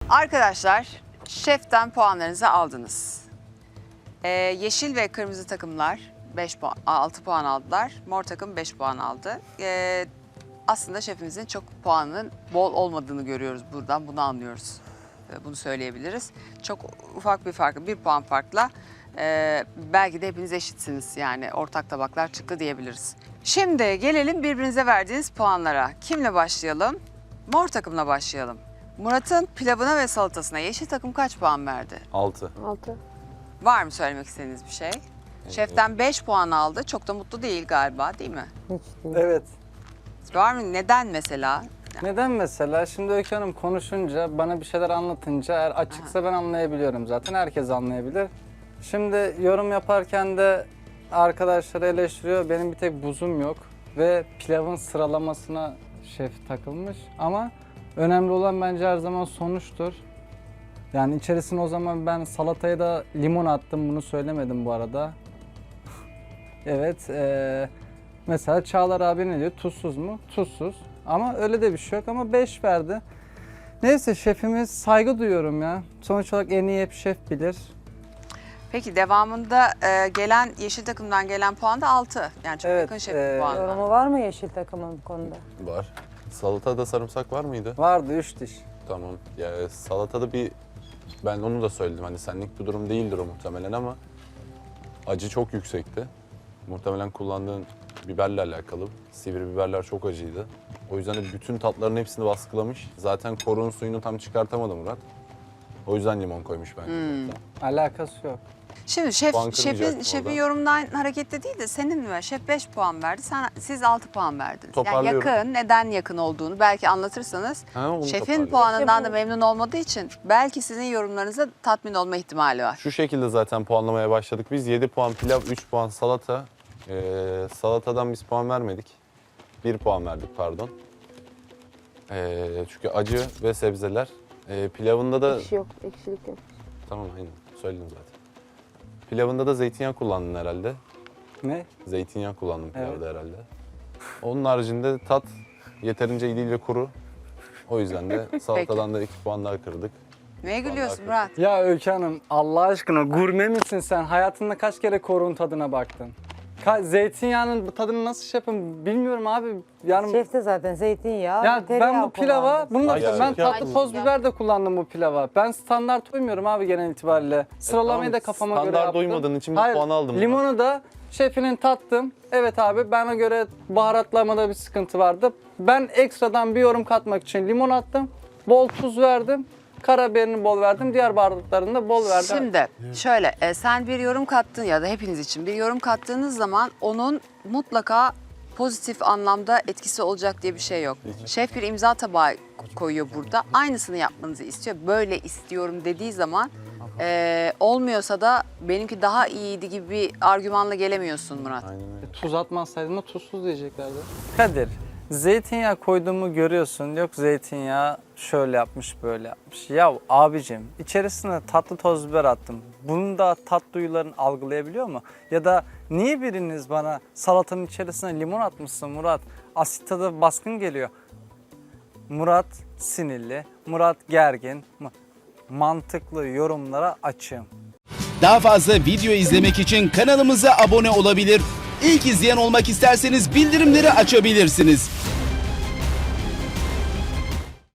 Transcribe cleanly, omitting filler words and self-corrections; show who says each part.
Speaker 1: Arkadaşlar, şeften puanlarınızı aldınız. Yeşil ve kırmızı takımlar 6 puan aldılar. Mor takım 5 puan aldı. Aslında şefimizin çok puanının bol olmadığını görüyoruz buradan. Bunu anlıyoruz. Bunu söyleyebiliriz. Çok ufak bir farkı, 1 puan farkla belki de hepiniz eşitsiniz. Yani ortak tabaklar çıktı diyebiliriz. Şimdi gelelim birbirinize verdiğiniz puanlara. Kimle başlayalım? Mor takımla başlayalım. Murat'ın pilavına ve salatasına yeşil takım kaç puan verdi?
Speaker 2: 6.
Speaker 3: 6.
Speaker 1: Var mı söylemek istediğiniz bir şey? Şeften 5 puan aldı. Çok da mutlu değil galiba, değil mi?
Speaker 3: Hiç değil.
Speaker 4: Evet.
Speaker 1: Var mı? Neden mesela?
Speaker 4: Neden mesela? Şimdi Öykü Hanım konuşunca, bana bir şeyler anlatınca eğer açıksa ben anlayabiliyorum zaten. Herkes anlayabilir. Şimdi yorum yaparken de arkadaşları eleştiriyor. Benim bir tek buzum yok. Ve pilavın sıralamasına şef takılmış. Ama önemli olan bence her zaman sonuçtur. Yani içerisine o zaman ben salataya da limon attım. Bunu söylemedim bu arada. Evet. Mesela Çağlar abi ne diyor? Tuzsuz mu? Tuzsuz. Ama öyle de bir şey yok ama 5 verdi. Neyse şefimiz saygı duyuyorum ya. Sonuç olarak en iyi hep şef bilir.
Speaker 1: Peki devamında gelen yeşil takımdan gelen puan da 6. Yani çok
Speaker 4: Evet,
Speaker 1: yakın şefin puanına.
Speaker 3: Yorumu var mı yeşil takımın bu konuda?
Speaker 2: Var. Salatada sarımsak var mıydı?
Speaker 4: Vardı 3 diş.
Speaker 2: Tamam. Ya salatada ben onu da söyledim. Hani senlik bir durum değildir o muhtemelen ama acı çok yüksekti. Muhtemelen kullandığın biberle alakalı. Sivri biberler çok acıydı. O yüzden de bütün tatların hepsini baskılamış. Zaten korun suyunu tam çıkartamadı Murat. O yüzden limon koymuş bence.
Speaker 4: Alakası yok.
Speaker 1: Şimdi
Speaker 2: Puan kırmayacaktım
Speaker 1: şefin
Speaker 2: orada.
Speaker 1: yorumundan hareketle değil de senin mi? Şef 5 puan verdi, siz 6 puan verdiniz. Yani
Speaker 2: Toparlıyorum.
Speaker 1: yakın, neden yakın olduğunu belki anlatırsanız.
Speaker 2: Onu
Speaker 1: Şefin
Speaker 2: toparlıyorum.
Speaker 1: puanından da memnun olmadığı için belki sizin yorumlarınıza tatmin olma ihtimali var.
Speaker 2: Şu şekilde zaten puanlamaya başladık. Biz 7 puan pilav, 3 puan salata. Salatadan biz puan vermedik. 1 puan verdik pardon. Çünkü acı ve sebzeler. Pilavında da...
Speaker 3: Ekşi yok, ekşilik yok.
Speaker 2: Tamam aynen söyledim zaten. Pilavında da zeytinyağı kullandın herhalde.
Speaker 4: Ne?
Speaker 2: Zeytinyağı kullandım pilavda
Speaker 4: Evet.
Speaker 2: herhalde. Onun haricinde tat yeterince iyi değil ve kuru. O yüzden de salatadan da 2 puan daha kırdık.
Speaker 1: Neye gülüyorsun
Speaker 2: kırdık.
Speaker 1: Murat?
Speaker 4: Ya Öykü Hanım Allah aşkına gurme misin sen? Hayatında kaç kere korun tadına baktın? Zeytinyağının tadını nasıl şey yapın bilmiyorum abi. Yani
Speaker 3: Şef de zaten zeytinyağı,
Speaker 4: ya
Speaker 3: tereyağı
Speaker 4: ben bu pilava,
Speaker 3: kullandı.
Speaker 4: bunu da
Speaker 2: Ay,
Speaker 4: ben
Speaker 2: gerçekten.
Speaker 4: tatlı toz biber de kullandım bu pilava. Ben standart uymuyorum abi genel itibariyle. Sıralamayı da kafama göre
Speaker 2: Standart
Speaker 4: yaptım.
Speaker 2: uymadığın için bir
Speaker 4: Hayır,
Speaker 2: puan aldım.
Speaker 4: limonu da şefinin tattım. Evet abi bana göre baharatlamada bir sıkıntı vardı. Ben ekstradan bir yorum katmak için limon attım. Bol tuz verdim. Karabiberini bol verdim. Diğer baharatlarını da bol verdim.
Speaker 1: Şimdi şöyle sen bir yorum kattın ya da hepiniz için bir yorum kattığınız zaman onun mutlaka pozitif anlamda etkisi olacak diye bir şey yok. Şef bir imza tabağı koyuyor burada. Aynısını yapmanızı istiyor. Böyle istiyorum dediği zaman olmuyorsa da benimki daha iyiydi gibi bir argümanla gelemiyorsun Murat.
Speaker 2: Aynen öyle.
Speaker 4: Tuz atmasaydın da tuzsuz diyeceklerdi. Kadir, zeytinyağı koyduğumu görüyorsun. Yok zeytinyağı şöyle yapmış, böyle yapmış. Ya abicim, içerisine tatlı toz biber attım. Bunu da tat duyuların algılayabiliyor mu? Ya da niye biriniz bana salatanın içerisine limon atmışsın Murat? Asit tadı baskın geliyor. Murat sinirli, Murat gergin. Mantıklı yorumlara açığım.
Speaker 5: Daha fazla video izlemek için kanalımıza abone olabilir. İlk izleyen olmak isterseniz bildirimleri açabilirsiniz.